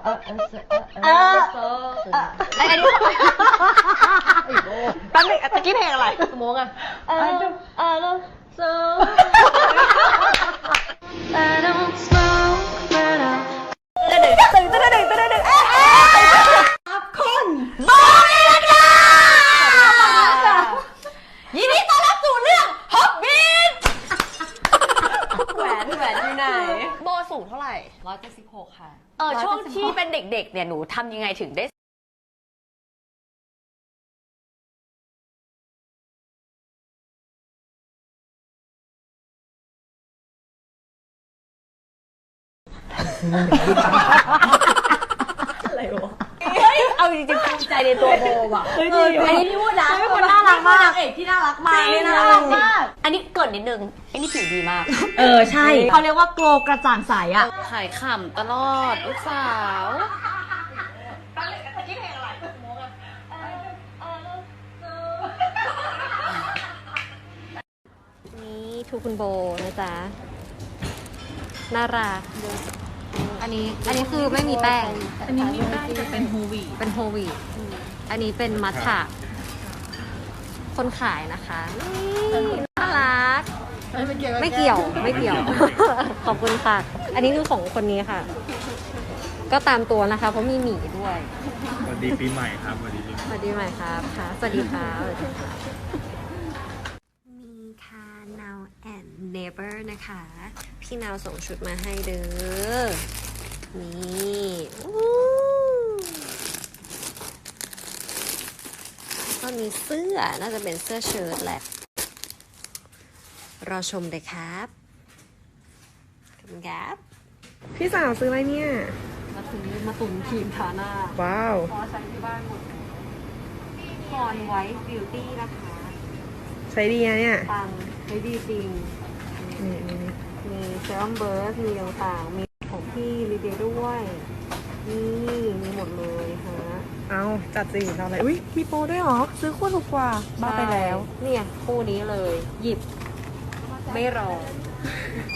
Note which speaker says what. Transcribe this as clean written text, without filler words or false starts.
Speaker 1: อันนี้แป๊บนึงตะกี้เพลงอะไรสมองอ่ะยินดีต้อนรับสู่เรื่องฮอบบิทแหวนอยู่ไหนโบสูงเท่าไหร่
Speaker 2: 176ค่ะ
Speaker 1: ช่วงที่เป็นเด็กๆเนี่ยหนูทำยังไงถึงได้อะไรวะเฮ้ยเอาจริงๆภูมิใจในตัวโบว่ะอันนี้พี่พูดนะเป็นคนน่ารักมากเอกที่น่ารักมากน่ารักมากอันนี้เกิดนิดนึงไอ้นี่ผิวดีมาก
Speaker 2: ใช่เขาเรียกว่าโกลกระจ่างใสอ่ะ
Speaker 1: ขายขำตลอดลูกสาวนี่ทูคุณโบนะจ๊ะน่ารักอันนี้คือไม่มีแป้ง
Speaker 2: อันนี้มีแป้งจะเป็นโฮวี
Speaker 1: ตอันนี้เป็นมัทฉะคนขายนะคะน่ารักไม่เกี่ยว ขอบคุณค่ะอันนี้คือของคนนี้ค่ะก็ตามตัวนะคะเพราะมีหมีด้วย
Speaker 3: สวัสดีปีใหม่ครับ
Speaker 1: สวัสดีใหม่ครับค่ะสวัสดีครับมีค่ะ now and never นะคะพี่นาวส่งชุดมาให้เด้อนี่ก็มีเสื้อน่าจะเป็นเสื้อเชิ้ตแหละรอชมเลยครับขอบคุณครับ
Speaker 2: พี่สาวซื้ออะไรเนี่ย
Speaker 1: มาตุนครีมทาหน้า
Speaker 2: ว้าว
Speaker 1: เพราะใช้ที่บ้านหมดคอนไวท์บิวตี้นะคะ
Speaker 2: ใช้ดีนะเนี่ย
Speaker 1: ปังใช้ดีจริงมีเซรั่มเบิร์สมีต่างๆมีของพี่รีเดียด้วยนี่มีหมดเลยฮะ
Speaker 2: เอาจัดสิทำอะไรอุ้ยมีโปรด้วยเหรอซื้อคู่ถูกกว่าบ้าไปแล้ว
Speaker 1: เนี่ยคู่นี้เลยหยิบไม่รอ